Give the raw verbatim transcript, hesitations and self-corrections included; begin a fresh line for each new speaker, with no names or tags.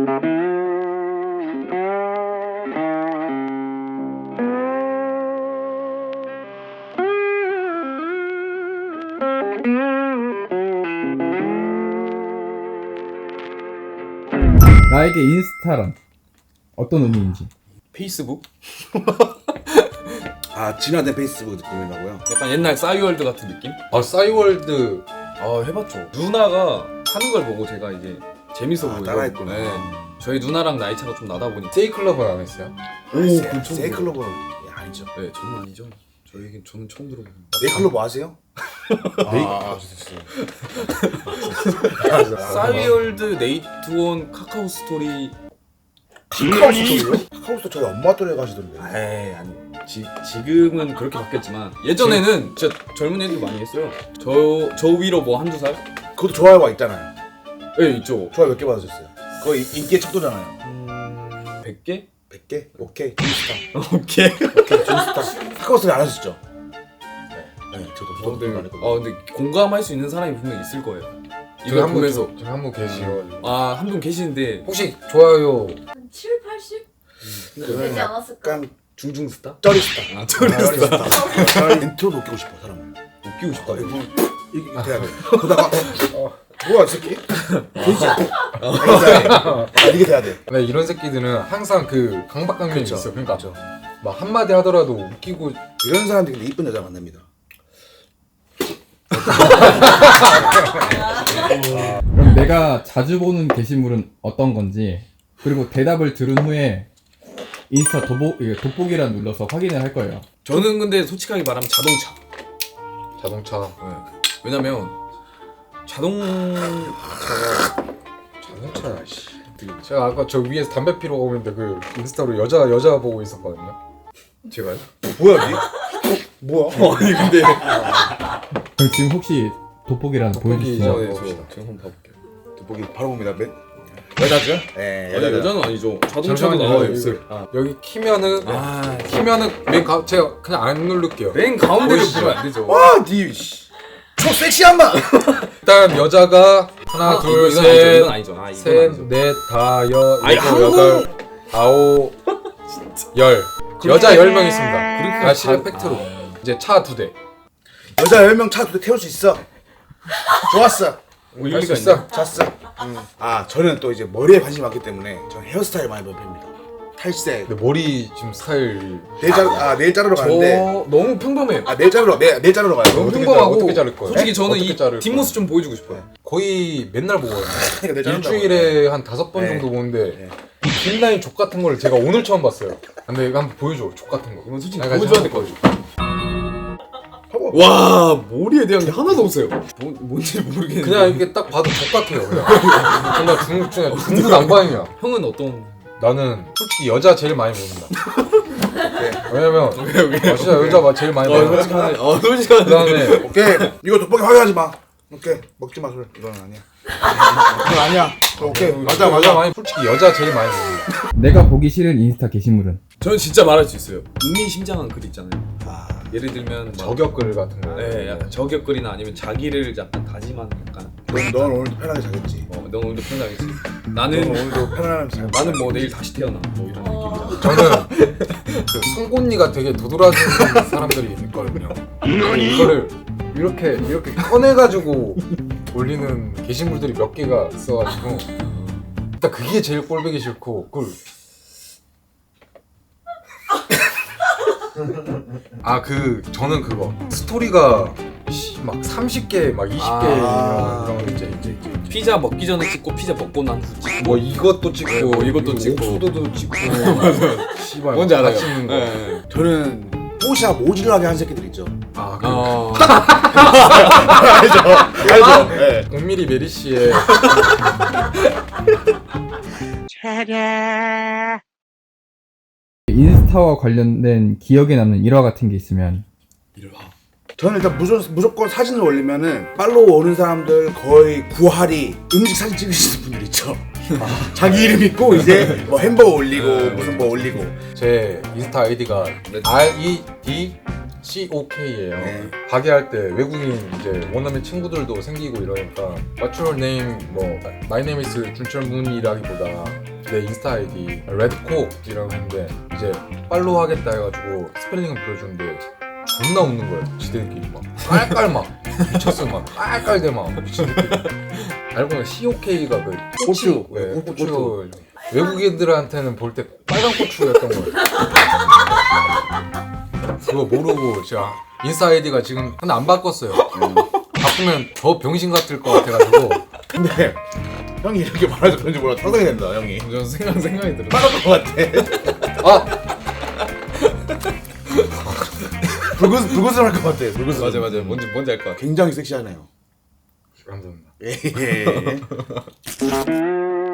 나에게 인스타란 어떤 의미인지.
페이스북?
아 진화된 페이스북 느낌이라고요?
약간 옛날 싸이월드 같은 느낌?
아 싸이월드
아 해봤죠. 누나가 하는 걸 보고 제가 이제 재밌어
아,
보이고.
따라했구나.
네. 저희 누나랑 나이 차가 좀 나다 보니.
세이클럽은 안 했어요?
오,
세-
그
처음
세이클로버 예, 아니죠.
네, 저는 아니죠. 저에겐 저는 처음 들어보는.
네이클로버 아세요?
아,
싸이월드, 네이트온, 카카오 스토리.
카카오 스토리요? 카카오 스토리 저희 엄마 또래 가시던데.
에이 아니. 지, 지금은 그렇게 바뀌었지만 예전에는 진짜 젊은 애들 많이 했어요. 저, 저 위로 뭐 한두 살?
그것도 좋아요가 있잖아요.
네 있죠.
좋아요 몇 개 받으셨어요? 그거 인- 인기의 척도잖아요.
음... 백 개?
백 개? 오케이. 준스타.
오케이.
오케이. 준스타. 카카오 스토리 안 하셨죠? 네. 네. 저도
어,
저도
근데,
안 했거든요.
어, 근데 공감할 수 있는 사람이 분명 있을 거예요.
저기
이거
한분
보면서
저기 한분 계시고
아 한 분 계시는데
혹시 좋아요
한 칠, 팔십? 되지
저는
않았을까?
약간
중중 스타?
쩌리스타.
아 저랬어.
저는 인트로 웃기고 싶어 사람을.
웃기고 싶다.
이거 이게 돼야 돼. 보다가 어, 뭐야 이 새끼? 돼지? 아 이게 돼야 돼.
네, 이런 새끼들은 항상 그 강박관념이
그쵸.
있어. 그러니까
그쵸.
막 한마디 하더라도 웃기고
이런 사람들이 근데 이쁜 여자 만납니다.
그럼 내가 자주 보는 게시물은 어떤 건지, 그리고 대답을 들은 후에 인스타 도보, 이게 돋보기란 눌러서 확인을 할 거예요.
저는 근데 솔직하게 말하면 자동차.
자동차
네. 왜냐면 자동차가
자동차 씨. 제가 아까 저 위에서 담배 피러 오는데 그 인스타로 여자 여자 보고 있었거든요.
제가요?
뭐야 니? 어, 뭐야?
아니 근데
그럼 지금 혹시 돋보기란
돋보기
보여주시죠?
저-
네, 저 지금 한번 봐볼게요.
돋보기 바로 봅니다. 맨
여자죠?
예,
아니
여자
여자는 아니죠. 자동차도
잠시만요.
나와요.
이거-
아,
여기 키면은
아
키면은 맨 가, 제가 그냥 안 누를게요.
맨 가운데를
보이시죠?
보면 안 되죠.
와, 니 씨. 초 섹시한 마.
일단 여자가 하나
아,
둘
이건
셋
아니죠. 이건 아니죠. 아, 이건
셋,
아니죠.
넷, 다, 여,
아니,
일곱,
한국-
여덟, 아홉, 열. 여자 열 명 있습니다.
그렇게
아, 실력
다-
팩트로.
아.
이제 차 두 대.
여자 열 명 차 두 대 태울 수 있어. 좋았어.
뭐
할
일리가
수 있어?
있나?
잤어. 아, 저는 또 이제 머리에 관심이 많기 때문에 저는 헤어스타일 많이 봅니다. 탈색.
근데 머리 지금 스타일
네일 자르 아 네일 자르러
저
가는데
너무 평범해요.
아 네일 자르러 네 네일 자르러 가요.
너무
어떻게
평범하고
자르-
어떻게 자를 거예요?
솔직히 저는
어떻게
이
자를
뒷모습 좀 보여주고 싶어요.
거의 맨날 보거든요.
그러니까 네일 자른다고.
일주일에 한 다섯 번
네.
정도 보는데
네.
이 뒷라인 족 같은 걸 제가 오늘 처음 봤어요. 근데 이거 한번 보여줘. 족 같은 거.
이건 솔직히
내가
보여줘야
지금
될 것 같아요.
하고
와 머리에 대한 게 하나도 없어요. 뭐, 뭔지 모르겠는데.
그냥 이렇게 딱 봐도 족 같아요. 그냥. 정말 중국 중에 중구난방이야.
형은 어떤?
나는 솔직히 여자 제일 많이 봅니다. 왜냐면
왜 왜?
아, 진짜 여자 마- 제일 많이
어
봐요.
솔직하네. 어 솔직하네.
그다음에
오케이 이거 돋보기 확인하지 마. 오케이 먹지 마 술. 이건 아니야. 이건 아니야. 오케이 맞아
여자
맞아.
많이 솔직히 여자 제일 많이 봅니다.
내가 보기 싫은 인스타 게시물은?
저는 진짜 말할 수 있어요. 의미심장한 글 있잖아요.
아,
예를 들면 막-
저격글 같은 거.
네, 약간 저격글이나 아니면 자기를 약간 다짐하는 약간.
넌, 넌 오늘도 편하게 자겠지.
어, 너 오늘도 편하겠지.
넌
나는
오늘도 편안하게 자.
나는 뭐 내일 다시 태어나. 뭐 이런
어.
느낌이야.
저는 그 송곳니가 되게 도드라지는 사람들이 있거든요. 이거를 이렇게 이렇게 꺼내가지고 올리는 게시물들이 몇 개가 있어가지고 일단 그게 제일 꼴보기 싫고 그걸 아 그 저는 그거 스토리가 씨, 막 삼십 개 막 이십 개
아.
이런 거 이제 이제 이제
피자 먹기 전에 찍고 피자 먹고 난 후 찍고.
뭐 이것도 찍고
어, 이것도 찍고.
옥수도도 찍고 씨발
뭔지 알아요?
같이 있는 거.
네.
저는 뽀샤 모질하게 한 새끼들 있죠.
아, 그
어.
알죠? 네.
공미리 메리 씨의
인스타와 관련된 기억에 남는 일화 같은 게 있으면?
이리 와.
저는 일단 무조건, 무조건 사진을 올리면은 팔로우 오는 사람들 거의 구할이 음식 사진 찍으시는 분들 있죠. 자기 이름 있고 이제 뭐 햄버거 올리고 무슨 뭐 올리고.
제 인스타 아이디가
네.
알 이 디 씨 오 케이예요.
네.
가게할 때 외국인 이제 원어민 친구들도 생기고 이러니까 What's your name? 뭐 My name is 준철문이라기보다 내 인스타 아이디 레드콕이라고 했는데 이제 팔로우 하겠다 해가지고 스펠링을 불러주는데 존나 웃는 거예요. 지들끼리 막 깔깔 막 미쳤어 막 깔깔대 막 미친들끼리. 알고 보면 씨오케이가 그
고추.
네,
고추.
고추. 외국인들한테는 볼 때 빨간 고추였던 거예요. 그거 모르고 제가 인스타 아이디가 지금 근데 안 바꿨어요. 바꾸면 더 병신 같을 것 같아가지고.
근데 형이 이렇게 말해서 그런지 몰라 상상이 된다 형이.
저는 생각 생각이 들어요.
빨갈 것 같아.
아
불구스 불구스름 할것 같아. 불구스름.
맞아 맞아. 뭔지 뭔지 알 것 같아.
굉장히 섹시하네요.
감사합니다.
예. 예.